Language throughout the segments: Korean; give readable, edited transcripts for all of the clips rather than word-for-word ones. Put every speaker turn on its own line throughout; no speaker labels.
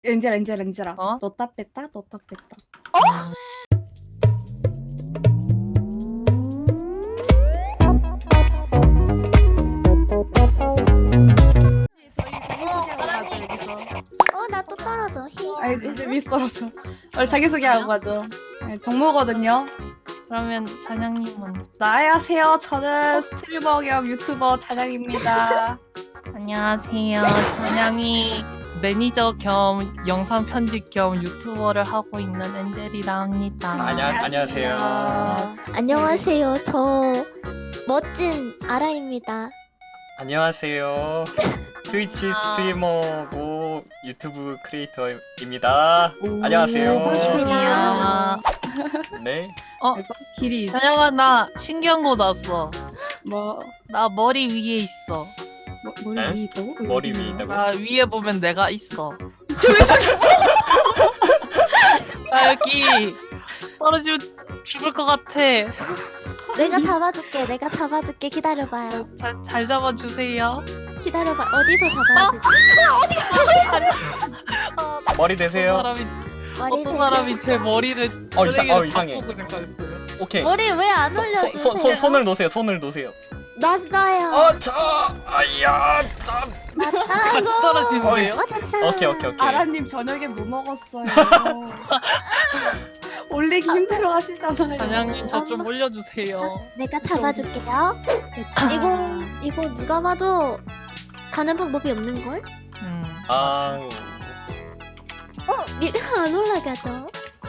엔젤아.
어?
넣었다 뺐다.
나 또 떨어져.
이제 미스 떨어져. 원래 자기소개하고 가죠. 네, 정모거든요.
그러면 잔양님 먼저.
안녕하세요. 저는 스트리머 겸 유튜버 잔양입니다.
안녕하세요. 잔양이 매니저 겸 영상 편집 겸 유튜버를 하고 있는 엔젤이라 합니다.
안녕하세요.
안녕하세요. 저 멋진 아라입니다.
안녕하세요. 트위치 스트리머고 유튜브 크리에이터입니다. 안녕하세요.
반갑습니다.
네.
길이 있어.
잔양아, 나 신기한 거 났어.
뭐
나 머리 위에 있어.
머리
에?
위에 있다고?
머리 위에 있다고?
나 위에 보면 내가 있어. 나 여기 떨어지면 죽을 것 같아.
내가 잡아줄게. 기다려봐요.
잘 잡아주세요.
기다려봐. 어디서 잡아야 되지?
머리 되세요.
머리
어떤 사람이 제 머리를
이상해.
잡고 그랬어요.
오케이.
머리 왜 안 올려주세요?
손을 놓으세요. 손을 놓으세요.
놨어요.
아야, 참.
같이 떨어지는데요?
됐다.
오케이.
아라님 저녁에 뭐 먹었어요? 올리기 힘들어 하시잖아요.
잔양님 저 좀 올려주세요.
내가 잡아줄게요. 이거 누가 봐도 가는 방법이 없는 걸? 안 올라가죠?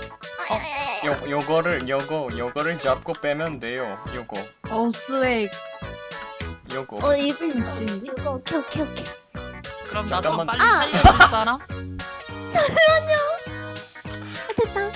요거를 잡고 빼면 돼요.
스웨이.
요거.
이거
씨.
오케이.
그럼 나 좀
잠깐만.
빨리 살려줄 사람?
됐다.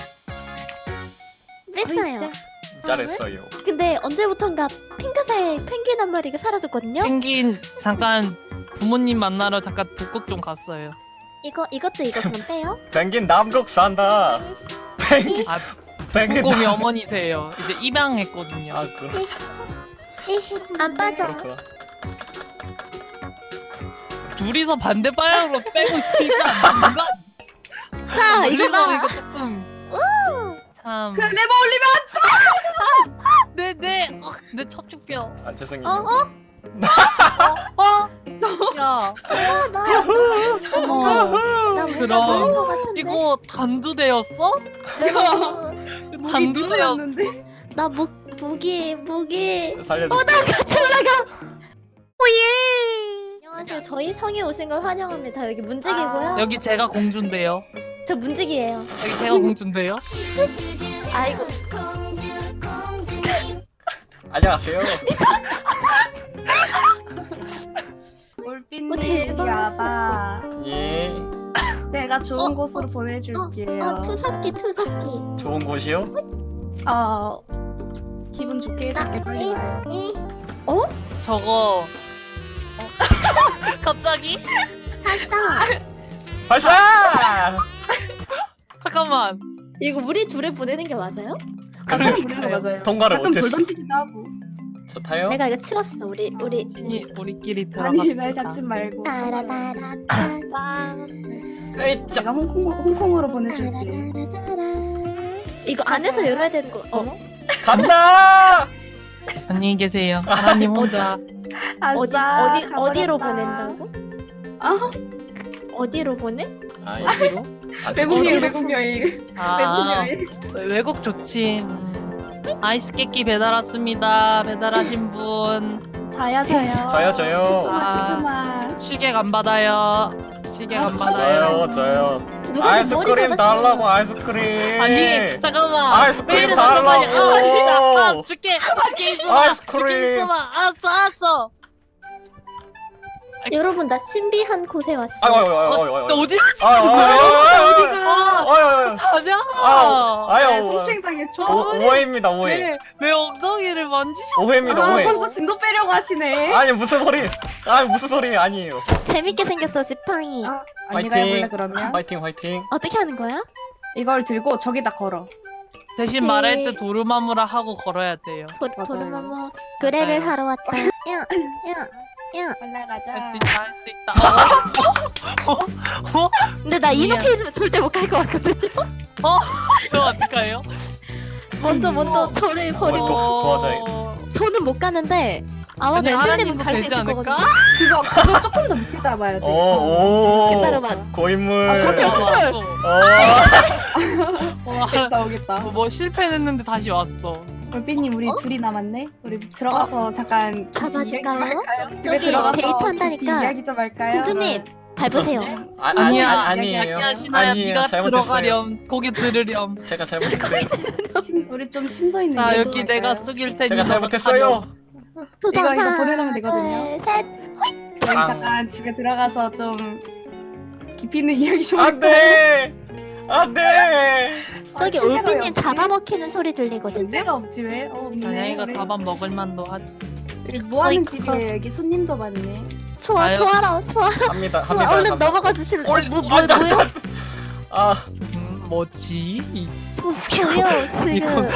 뺐어요.
잘했어요.
근데 언제부턴가 핑크색 펭귄 한 마리가 사라졌거든요?
펭귄 잠깐 부모님 만나러 잠깐 북극 좀 갔어요.
이것도 그럼 빼요?
펭귄 남극 산다.
아,
펭귄
북극곰이 어머니세요. 이제 입양했거든요.
안 빠져.
그렇구나.
둘이서 반대 방향으로 빼고 있으니까 뭔가
자, 이거 봐.
이거 조금 참.
그냥 레버 올리면
내 척추뼈.
죄송해요.
야,
나 뭔가
그럼.
놀린 것 같은데.
이거 단두대였어?
목이
단두대였어.
누르였는데.
나 목이.
살려줘.
나 같이 올라가. 안녕하세요. 저희 성에 오신 걸 환영합니다. 여기 문직이고요.
여기 제가 공주인데요.
저 문직이에요.
여기 제가 공주인데요.
아이고.
안녕하세요.
올빈님
대박.
야바.
예.
내가 좋은 곳으로 보내줄게요.
투석기.
좋은 곳이요?
기분 좋게 해줄게. 빨리 와요.
저거 갑자기?
발사!
잠깐만.
이거 우리 둘을 보내는 게 맞아요?
가끔 부르는 거 맞아요.
통과를
가끔 돌
못했어.
던지기도 하고.
저 타요?
내가 이거 치웠어. 우리.
우리끼리
아니 날
들어갑시다.
잡지 말고.
따라따라따.
에이,
제가 홍콩으로 보내줄게.
이거 안에서 열어야 되는 거.
간다!
안녕히 계세요. 하나님 혼자.
어디로
가버렸다.
보낸다고?
아,
어디로 보내?
어디로?
외국 여행.
외국 여행. 외국 좋지. 아이스 깨끼 배달 왔습니다. 배달하신 분.
자야.
저요.
조금만.
취객 안 받아요. 취객 안 받아요.
저요.
누가 내 머리
아이스크림
잡았어?
달라고, 아이스크림.
아니 잠깐만.
아이스크림
왜 이래, 잠깐만요.
달라고.
진짜. 줄게 있어봐.
아이스크림.
줄게 있어봐. 알았어.
여러분 나 신비한 곳에 왔어.
너 어디 자냐?
성추행당했어.
오해입니다, 오해.
왜 엉덩이를 만지셨어?
오해입니다, 오해.
벌써 진도 빼려고 하시네.
아니, 무슨 소리 아니에요.
재밌게 생겼어 지팡이.
언니가 해볼래 그러면?
화이팅.
어떻게 하는 거야?
이걸 들고 저기다 걸어.
대신
네.
말할 때 도루마무라 하고 걸어야 돼요.
맞아요.
도르마무 그래를 하러 왔다.
올라가자.
할 수 있다 할 수 있다.
근데 나 이노페이스면 절대 못 갈 것 같거든요.
저 어떡해요?
먼저 저를 버리고
도와줘야겠다.
저는 못 가는데 아마도
아니,
엔젤님은
하나님도
갈 수
되지
있을
않을까?
거거든요.
그거 조금 더 밑에 잡아야 돼.
오.
기다려봐.
고인물.
아, 컨트롤.
오겠다 오겠다.
뭐 실패했는데 다시 왔어.
올삐님 우리 둘이 남았네. 우리 들어가서 잠깐
가봐줄까요?
집에
저기
들어가서
데이트
깊이
한다니까.
이야기 좀 할까요?
공주님 밟으세요.
아니야
아니에요.
아니야 신아야
아니에요.
네가
잘못했어요.
들어가렴 고개 들으렴.
제가 잘못했어요.
우리 좀 심도 있는
자
얘기
여기
좀
내가
할까요?
숙일 테니
제가 잘못했어요.
도전
이거
하나,
보내놓으면 되거든요.
둘, 셋.
저희
아.
잠깐 집에 들어가서 좀 깊이 있는 이야기 좀
안돼. 안돼.
저기
침대가 왜
올비님
없지?
잡아먹히는 소리 들리거든요.
침대가 없지 왜? 없네.
자냥이가
우리-
잡아 먹을 만도 하지.
우리 뭐 하는
어이쿠.
집이에요? 여기 손님도 많네.
좋아,
아유.
좋아라, 좋아.
합니다.
좋아.
합니다.
얼른
합니다.
넘어가 주실래?
올-
뭐요?
아,
뭐지?
뭐요? 지금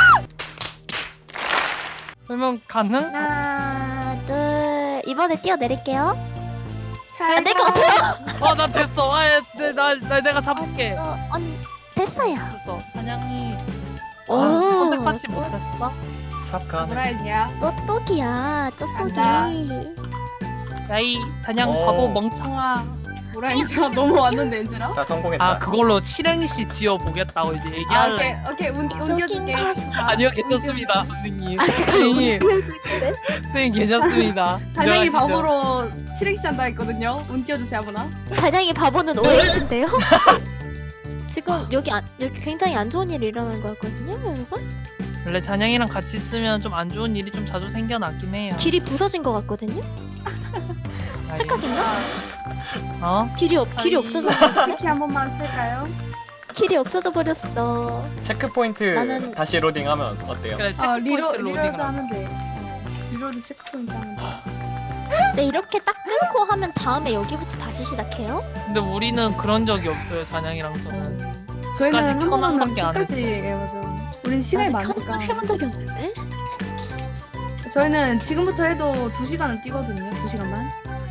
그러면 가능?
하나, 둘. 이번에 뛰어내릴게요.
잘
될 것 같아요.
나 됐어. 내가 잡을게.
언니 됐어요.
됐어. 사냥이
오.
선택받지 못했어?
삽가.
뭐라 했냐?
똑똑이야, 똑똑이.
간다.
야이 사냥
오.
바보 멍청아.
뭐라 했냐? 너무 왔는데 엔젤아?
나 성공했다.
아 그걸로 칠행시 지어 보겠다고 이제
아
얘기할래.
오케이 운
저긴
띄워줄게.
다-
아니요 괜찮습니다 선생님.
아,
선생님
띄워줄게.
선생님 괜찮습니다.
단양이
들어가시죠.
바보로 칠행시 한다 했거든요. 운 띄워주세요 아무나.
단양이 바보는 OX인데요? 지금 여기 굉장히 안 좋은 일이 일어난 것 같거든요, 여러분?
원래 잔양이랑 같이 있으면 좀 안 좋은 일이 좀 자주 생겨나긴 해요.
길이 부서진 것 같거든요? 착각인가?
어?
길이
아니.
없어졌어.
스키 한 번만 쓸까요?
길이 없어져 버렸어.
체크 포인트
나는-
다시 로딩하면 어때요?
그래 체크
아
포인트
리로드
로딩을 하면.
하면 돼. 리로드 체크포인트 하면 돼.
네, 이렇게 딱 끊고 하면 다음에 여기부터 다시 시작해요?
근데 우리는 그런 적이 없어요 잔양이랑 저는.
저희는
끝까지
한
켜놓은
번은
밖에 안
끝까지 해보죠. 우린 시간이
나는
많으니까.
해본 적이 없는데?
저희는 지금부터 해도 2시간은 뛰거든요. 2시간만.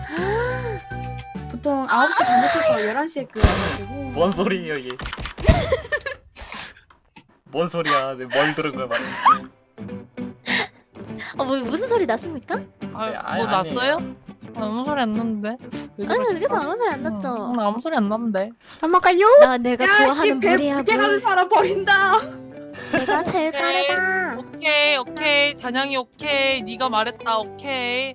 보통 9시 반부터 11시에 끄가지고.
뭔 소리예요 이게? 뭔 소리야? 뭘 들은 거야 말이야.
뭐 무슨 소리 났습니까?
아,
네,
뭐
아니,
났어요? 아무 소리 안 났는데. 왜
아니,
저러실까?
여기서 아무 소리 안 났죠.
나 아무 소리 안 났는데.
내가 좋아하는 물이야,
배 가는
물.
사람 버린다.
내가 제일
오케이.
빠르다.
오케이 잔양이 오케이 네가 말했다 오케이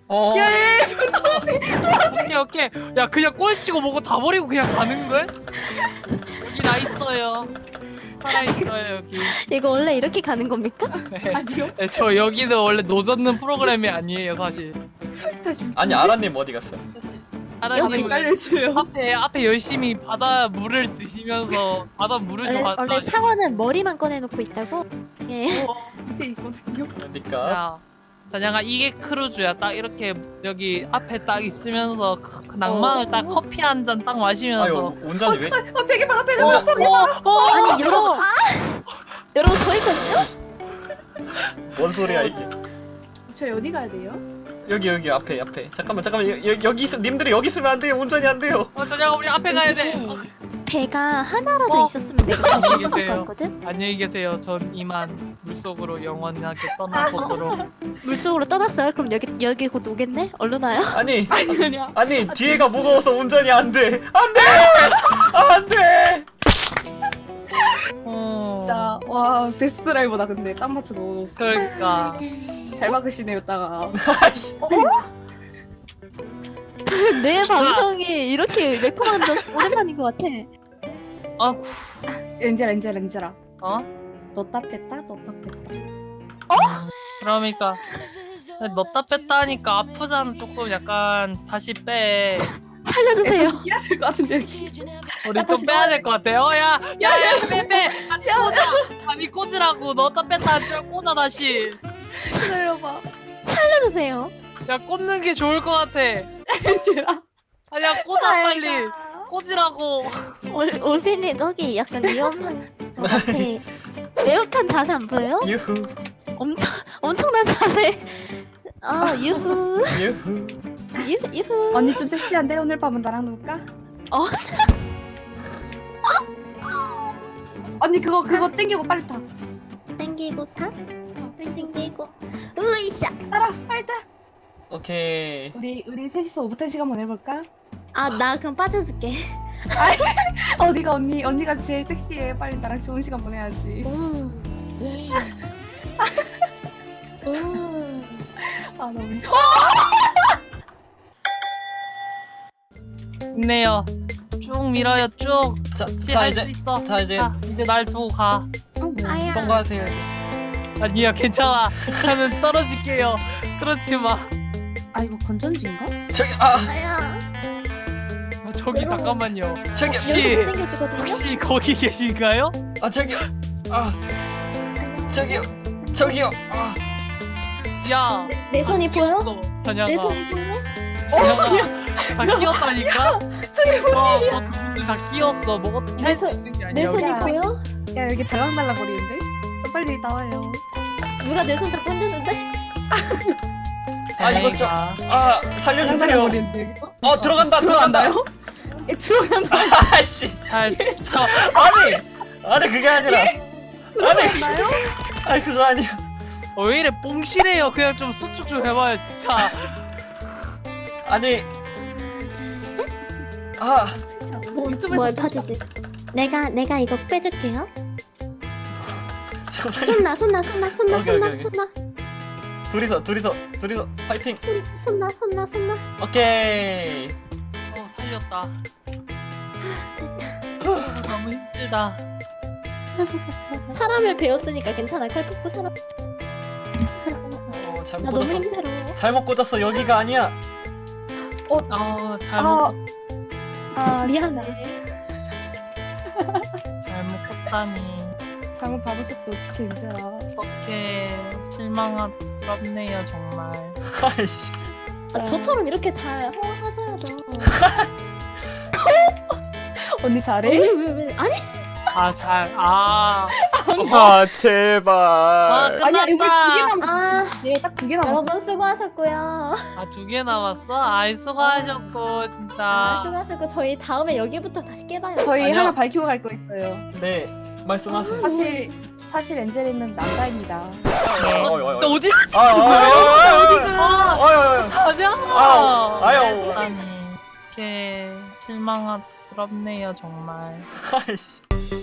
오케이 야 그냥 꼴찌고 뭐고 다 버리고 그냥 가는 걸? 여기 나 있어요 살아 있어요 여기.
이거 원래 이렇게 가는 겁니까?
아니요.
네, 저 여기는 원래 노젓는 프로그램이 아니에요 사실.
다시.
아니 아라님 어디 갔어?
아라님
깔려주세요.
앞에 열심히 바다 물을 드시면서 바다 물을 좀
원래 상어는 머리만 꺼내놓고 있다고? 예.
밑에 있거든요.
그러니까
야 자냐가 이게 크루즈야 딱 이렇게 여기 앞에 딱 있으면서 그 낭만을 딱 커피 한 잔 딱 마시면서
아유 운전이 왜?
아 베개 봐라 베개
어,
봐라.
아니, 여러분. 여러분, 저 있거든요?
뭔 소리야 이게?
저희 어디 가야 돼요?
여기 앞에 잠깐만 여기 있어 님들이 여기 있으면 안 돼요. 운전이 안 돼요.
자냐가 우리 앞에 가야 돼.
이게 배가 하나라도 있었으면 내가 갈수
안녕히
있었을
계세요.
것 같거든?
안녕히 계세요. 전 이만 물속으로 영원하게 떠나보도록.
물속으로 떠났어요? 그럼 여기 곧 오겠네? 얼른 와요?
아니
아니야.
아니 뒤에가 무거워서 운전이 안 돼. 안 돼. 안 돼.
진짜 와 베스트 드라이버다 근데 딱 맞춰 넣어놓았어.
그러니까
잘 막으시네요 따가.
아이씨.
내 방송이 이렇게 매콤한 적 오랜만인 것 같아.
아구
엔젤아.
어?
넣었다 뺐다 넣었다 뺐다.
그러니까 넣다 뺐다 하니까 아프잖아 조금 약간 다시 빼.
살려주세요.
다시 끼야 될 것 같은데 여기.
우리 좀 빼야 될 것 같아요. 야야야 빼. 다시 꽂아. 아니 꽂으라고 넣다 뺐다 하지 말고 꽂아 다시.
기다려봐.
살려주세요.
야 꽂는 게 좋을 것 같아.
엔젤아.
아니야 꽂아 빨리. 꽂으라고.
올피님 저기 약간 위험한 것 같아. 매혹한 자세 안 보여요?
유후
엄청난 자세. 아 유후.
유후.
유후.
언니 좀 섹시한데 오늘 밤은 나랑 놀까?
어?
언니 그거 땡기고 빨리 타.
땡기고 타? 땡기고. 으이샤.
따라 빨리 타.
오케이.
우리 셋이서 오붓한 시간 보내볼까?
아, 나 그럼 빠져줄게.
어디가 언니가 제일 섹시해. 빨리 나랑 좋은 시간 보내야지.
예.
아 너무.
좋네요. 쭉 밀어요 쭉.
자
할 수
이제
있어.
자 이제
이제 날 두고 가.
아야.
통과하세요 이제.
아니야 괜찮아. 저는 떨어질게요. 그렇지 마.
아 이거 건전지인가?
저기
아야.
저기
외로워.
잠깐만요.
저기
혹시-
여기서 땡겨주거든요?
혹시 거기 계신가요?
저기요. 저기요. 저기요.
야.
내 손이 보여?
전야가.
내 손이 보여?
전야가 다 끼었다니까?
저기
두 분들 다 끼었어. 뭐 어떻게 할 수
내
있는 게
내
아니야.
손이
야.
보여?
야 여기 달랑달랑 거리는데? 빨리 나와요.
누가 내 손 잡고 흔드는데?
이거 좀 살려주세요.
거리는데 여기서?
들어간다.
들어간다요? 예 들어간다.
아씨.
잘 쳐.
아니 그게 아니라. 아니 그거 아니야.
왜 이래 뽕실해요. 그냥 좀 수축 좀 해봐요 진짜.
아니.
뭘 파지지? 내가 이거 빼줄게요.
잠깐만.
손나
오케이. 둘이서 파이팅.
손나.
오케이.
살렸다.
됐다.
너무 힘들다.
사람을 배웠으니까 괜찮아. 칼폭포 사람.
잘못
나 너무
꽂았어.
힘들어.
잘못 꽂았어. 여기가 아니야.
잘못
미안해.
잘못 꿨다니.
잘못 봐보셨도 어떻게 힘들어.
어떻게 실망스럽네요 정말.
아이씨.
저처럼 이렇게 잘 하셔야죠.
언니 잘해?
왜? 아니
제발.
아니야 여기 2개
끝났다.
남았어. 딱 2개 남았어.
여러분 수고하셨고요.
2개 남았어? 아이 수고하셨고 진짜.
수고하셨고 저희 다음에 여기부터 다시 깨봐요.
저희
아니요.
하나 밝히고 갈 거 있어요.
네 말씀하세요.
사실 엔젤이는 남자입니다.
너 어디 갔지? 자냐?
아유.
아니 이렇게 실망스럽네요 정말.
아이씨.